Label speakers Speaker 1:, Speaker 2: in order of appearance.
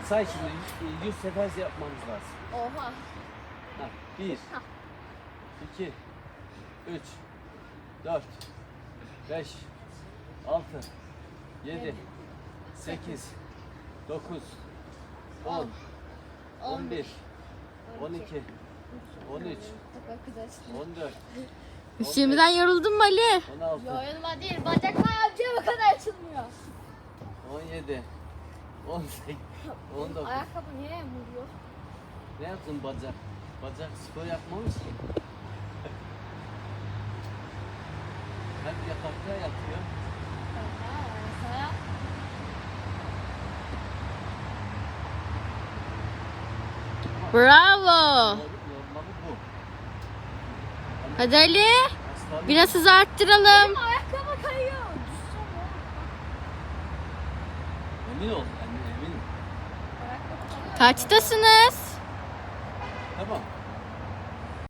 Speaker 1: Say şimdi 100 sefer yapmamız lazım.
Speaker 2: Oha.
Speaker 1: Ha, 1, 2, 3, 4, 5, 6, 7, 8, 9, 10, 11, 12, 13, 14,
Speaker 3: Şimdiden yoruldun mu Ali?
Speaker 1: 16,
Speaker 2: Yorulma değil. Bacaklar amcaya bu kadar açılmıyor.
Speaker 1: 17, 18, 19.
Speaker 2: Ayakkabı niye vuruyor?
Speaker 1: Ne yaptın bacak? Bacak spor yapmamış ki. Hep yatakta yatıyor.
Speaker 2: Sana
Speaker 3: Bravo.
Speaker 1: Normali bu.
Speaker 3: Hadi Ali.
Speaker 1: Aslanım.
Speaker 3: Biraz hızı arttıralım.
Speaker 2: ayakkabı kayıyor.
Speaker 1: Emin ol, eminim.
Speaker 2: Ayakkabı kayıyor.
Speaker 3: Kaçtasınız?
Speaker 1: Tamam.